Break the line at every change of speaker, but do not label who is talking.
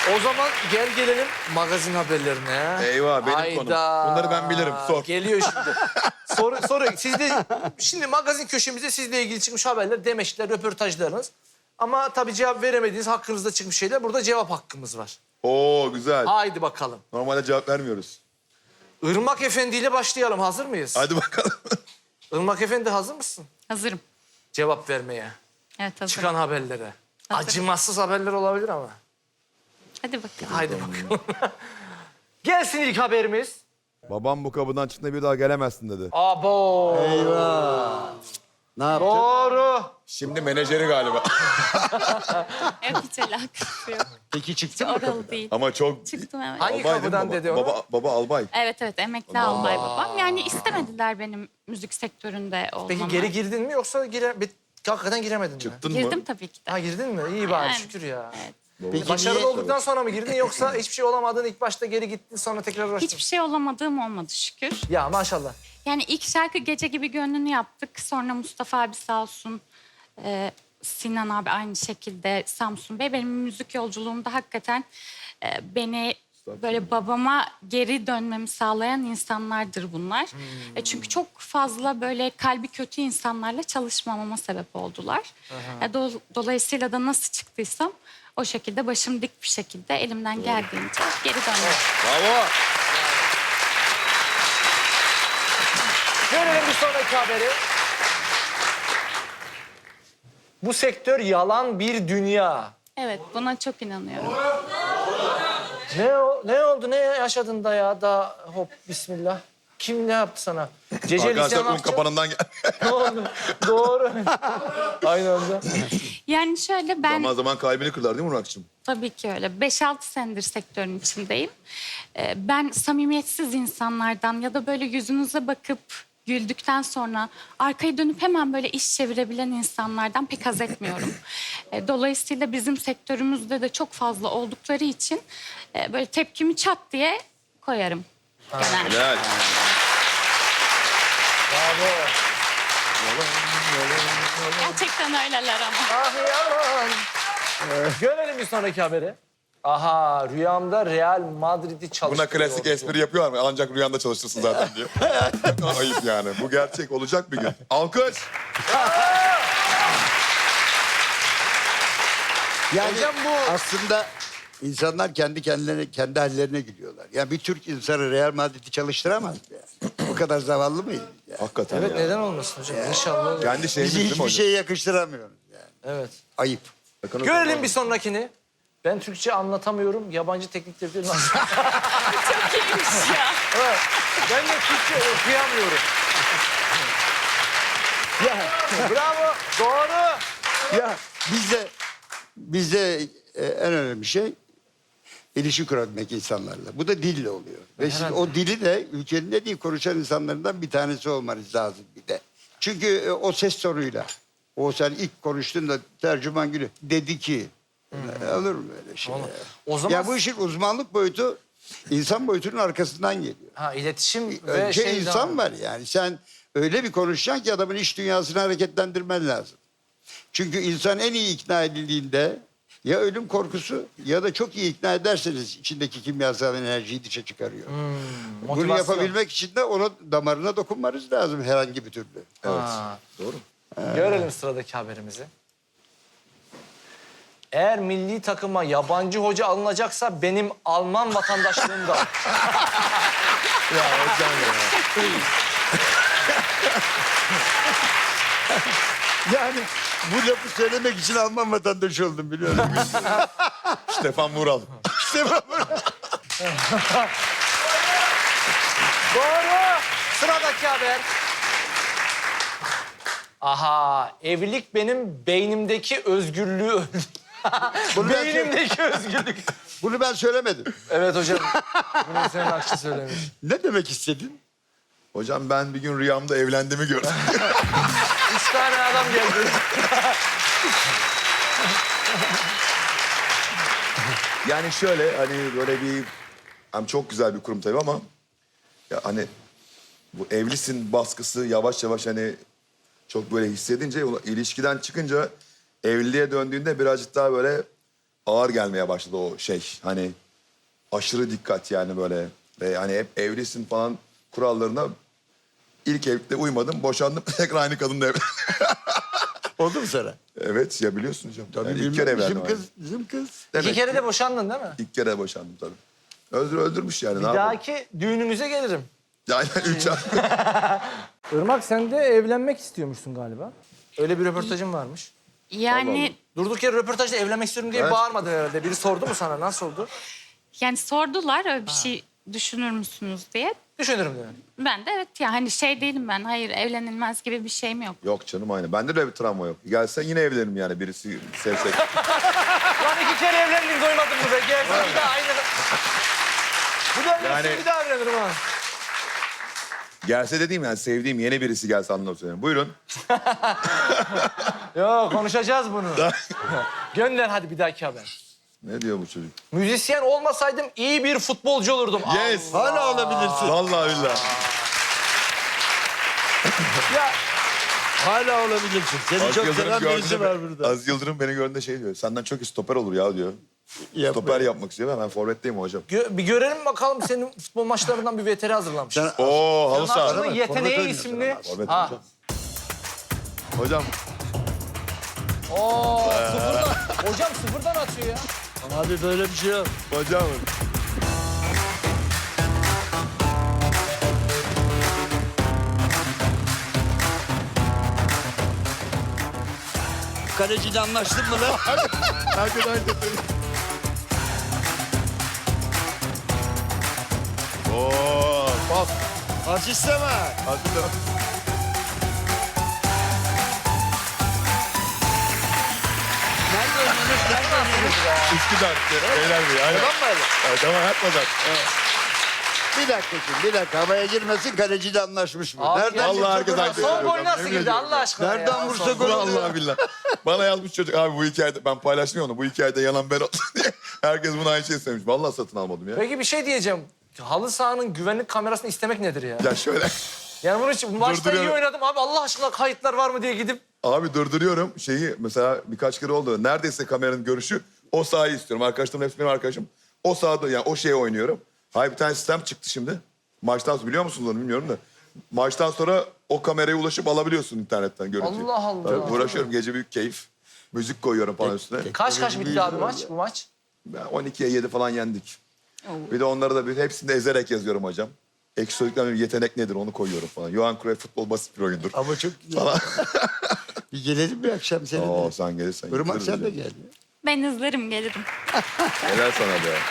O zaman gel gelelim magazin haberlerine.
Eyvah benim konum. Bunları ben bilirim. Sor.
Geliyor şimdi. Soru. Sizde şimdi magazin köşemizde sizle ilgili çıkmış haberler, demeçler, röportajlarınız. Ama tabii cevap veremediğiniz hakkınızda çıkmış şeyler. Burada cevap hakkımız var.
Oo güzel.
Haydi bakalım.
Normalde cevap vermiyoruz.
Irmak Efendi ile başlayalım. Hazır mıyız?
Hadi bakalım.
Irmak Efendi hazır mısın?
Hazırım.
Cevap vermeye.
Evet hazırım.
Çıkan haberlere.
Hazırım.
Acımasız haberler olabilir ama.
Hadi bakalım.
Haydi bakalım. Gelsin ilk haberimiz.
Babam bu kapıdan çıktığında bir daha gelemezsin dedi.
Abo.
Ne yaptın?
Doğru.
Şimdi menajeri galiba.
Evet hiç alakası yok.
Peki çıktın mı?
Oralı değil.
Ama çok...
Çıktım evet.
Hangi
Albay değil mi
kapıdan
baba?
dedi onu?
Baba albay.
Evet emekli albay babam. Yani istemediler benim müzik sektöründe olmamı.
Peki geri girdin mi yoksa hakikaten giremedin mi?
Çıktın mı?
Girdim tabii ki de.
Ha girdin mi? İyi bari
Yani,
şükür ya.
Evet.
Peki
Başarılı
niye?
olduktan sonra mı girdin yoksa hiçbir şey olamadın ilk başta geri gittin sonra tekrar uğraştın?
Hiçbir şey olamadığım olmadı şükür.
Ya maşallah.
Yani ilk şarkı Gece Gibi Gönlünü yaptık. Sonra Mustafa abi sağ olsun. Sinan abi aynı şekilde, Samsun Bey. Benim müzik yolculuğumda hakikaten beni böyle babama geri dönmemi sağlayan insanlardır bunlar. Çünkü çok fazla böyle kalbi kötü insanlarla çalışmamama sebep oldular. Dolayısıyla da nasıl çıktıysam o şekilde başım dik bir şekilde elimden geldiğince geri döndüm.
Bravo.
Görelim bir sonraki haberi. Bu sektör yalan bir dünya.
Evet, buna çok inanıyorum.
Ne oldu? Ne yaşadın da ya? Da hop bismillah. Kim ne yaptı sana? Ceceli
Arkadaşlar un
sanatçı.
kapanından gel.
Ne oldu? Doğru. Aynı anda.
Yani şöyle ben...
Zaman zaman kalbini kırdılar değil mi Murat'cığım?
Tabii ki öyle. 5-6 senedir sektörün içindeyim. Ben samimiyetsiz insanlardan ya da böyle yüzünüze bakıp güldükten sonra arkayı dönüp hemen böyle iş çevirebilen insanlardan pek haz etmiyorum. Dolayısıyla bizim sektörümüzde de çok fazla oldukları için böyle tepkimi çat diye koyarım genelde.
Helal.
Bravo.
Gerçekten öyleler ama.
Ah yalan. Görelim bir sonraki haberi. Aha rüyamda Real Madrid'i çalıştırıyor.
Buna klasik espri yapıyorlar mı? Ancak rüyanda çalışırsın zaten diye. Ayıp yani. Bu gerçek olacak bir gün. Alkış.
Yani
Hocam bu-
aslında insanlar kendi kendilerine, kendi hallerine gülüyorlar. Yani bir Türk insanı Real Madrid'i çalıştıramaz yani. Bu kadar zavallı mıyız? Yani?
Hakikaten
Evet
ya.
neden olmasın hocam? İnşallah olur.
Kendi şeyimiz
Bizi
değil mi
hiçbir
hocam?
şeye yakıştıramıyoruz yani.
Evet.
Ayıp.
Görelim bir sonrakini. Ben Türkçe anlatamıyorum. Yabancı teknikleri de nasıl?
Çok iyiymiş ya.
Evet. Ben de Türkçe okuyamıyorum.
Ya,
Bravo. Doğru.
ya bizde en önemli şey ilişki kurabilmek insanlarla. Bu da dille oluyor. Ve siz
Herhalde.
o dili de ülkenin en iyi konuşan insanlarından bir tanesi olmanız lazım bir de. Çünkü o ses tonuyla, o sen ilk konuştuğunda tercüman gülü dedi ki, olur mu öyle şey?
Olur.
Ya?
O zaman
Ya bu işin uzmanlık boyutu insan boyutunun arkasından geliyor.
iletişim ve
Önce
şey
insan
zaman.
var yani. Sen öyle bir konuşacaksın ki adamın iç dünyasını hareketlendirmen lazım. Çünkü insan en iyi ikna edildiğinde ya ölüm korkusu ya da çok iyi ikna ederseniz içindeki kimyasal enerjiyi dışa çıkarıyor. Bunu
Motivasyon.
yapabilmek için de ona damarına dokunmanız lazım herhangi bir türlü.
Evet.
Ha.
Doğru.
Görelim sıradaki haberimizi. Eğer milli takıma yabancı hoca alınacaksa benim Alman vatandaşlığım da.
Ya hocam ya.
Yani bu lafı söylemek için Alman vatandaşı oldum biliyorum.
Stefan Vural.
İşte bu.
Doğru. Sıradaki haber. Aha, evlilik benim beynimdeki özgürlüğü öldü.
Bunu ben,
Beynimdeki özgürlük.
bunu ben söylemedim.
Evet hocam. Bunu senin Akçı söylemiş.
Ne demek istedin?
Hocam ben bir gün rüyamda evlendiğimi gördüm.
3 tane adam geldi.
Yani şöyle hani böyle bir... Hem çok güzel bir kurum tabii ama... Ya hani bu evlisin baskısı yavaş yavaş hani... Çok böyle hissedince ilişkiden çıkınca evliliğe döndüğünde birazcık daha böyle ağır gelmeye başladı o şey. Hani aşırı dikkat yani böyle. Ve hani hep evlisin falan kurallarına ilk evlilikte uymadım. Boşandım. Tekrar aynı kadınla evlendim.
Oldu mu sana?
Evet ya biliyorsun hocam.
Tabii
Yani ilk
bilmem,
kere evlendim.
bizim kız, bizim kız.
İki kere de boşandın değil mi?
İlk kere boşandım tabii. Öldürmüş yani.
Bir
ne yapalım?
dahaki düğününüze gelirim.
Yani 3 ay.
Irmak sen de evlenmek istiyormuşsun galiba. Öyle bir röportajın varmış.
Yani
Durduk yere röportajda evlenmek istiyorum diye
Evet.
bağırmadın herhalde. Biri sordu mu sana? Nasıl oldu?
yani sordular öyle bir şey düşünür müsünüz diye.
Düşünürüm dedi.
Ben de evet ya hani şey değilim ben. Hayır evlenilmez gibi bir şeyim yok.
Yok canım aynı. Bende de öyle bir travma yok. Gelsen yine evlenirim yani birisi sevsek.
Lan iki kere evlendin doymadın mı be? Gelsin bir daha aynı. Bu da evlensin
Yani-
bir daha evlenirim ha.
Gelse dediğim yani sevdiğim yeni birisi gelse anlamı söylüyorum. Buyurun.
Yok konuşacağız bunu. Gönder hadi bir dahaki haber.
Ne diyor bu çocuk?
Müzisyen olmasaydım iyi bir futbolcu olurdum.
Yes.
Hala olabilirsin.
Vallahi billahi.
Ya
Hala olabilirsin. Seni
Az
çok
Yıldırım
seven birisi
gördüğünde,
var burada.
Az Yıldırım beni gördüğünde şey diyor. Senden çok iyi stoper olur ya diyor.
Yapma.
Stoper yapmak istiyor. Ben forvetteyim hocam.
bir görelim bakalım senin futbol maçlarından bir veteri hazırlamış.
Sen-
Oo halı saha.
Sanatçının
bak,
Yeteneği
forvet
isimli.
Forvet
Ha.
hocam. Hocam
Oo, sıfırdan. Hocam sıfırdan atıyor ya.
Abi böyle bir şey yok.
hocam.
Kaleciyle anlaştın mı lan?
Herkes aynı dedi. Oo pas.
Asist ama.
Aslında
Nerede oynuyorsunuz? Nerede oynuyorsunuz?
Üsküdar. Beyler Bey. Aynen.
Tamam mı öyle?
Evet, tamam yapmadan.
Bir dakika şimdi, bir dakika. Havaya girmesin, kaleciyle anlaşmış mı?
Abi,
Nereden
vallahi
vursa
herkes
gol
aynı
atıyor.
Son
Yok,
gol
yok,
nasıl
yemin
girdi
ediyorum.
Allah aşkına
Nereden
ya?
vursa
Son
gol
gol.
Vallahi billahi. Bana yazmış çocuk abi bu hikayede ben paylaşmıyorum onu. Bu hikayede yalan ben oldum diye. Herkes buna aynı şey söylemiş. Vallahi satın almadım ya.
Peki bir şey diyeceğim. Halı sahanın güvenlik kamerasını istemek nedir ya?
Ya şöyle.
Yani bunun için maçta iyi
Durduruyorum.
oynadım abi Allah aşkına kayıtlar var mı diye gidip
Abi durduruyorum şeyi mesela birkaç kere oldu. Neredeyse kameranın görüşü o sahayı istiyorum. Arkadaşlarım hepsi benim arkadaşım. O sahada yani o şeye oynuyorum. Hayır bir tane sistem çıktı şimdi. Maçtan sonra biliyor musunuz onu bilmiyorum da. Maçtan sonra o kameraya ulaşıp alabiliyorsun internetten görüntüyü.
Allah Allah.
Tabii uğraşıyorum gece büyük keyif. Müzik koyuyorum falan üstüne.
kaç bitti abi maç bu maç?
Ben 12'ye 7 falan yendik. Bir de onları da hepsini de ezerek yazıyorum hocam. Ekşi Sözlük'ten bir yetenek nedir onu koyuyorum falan. Johan Cruyff futbol basit bir oyundur.
Ama çok güzel.
Falan.
Bir gelelim bir akşam seninle.
Oo sen gelirsen.
Irmak
gideriz
sen de
hocam.
gel.
Ben izlerim gelirim.
Helal sana be.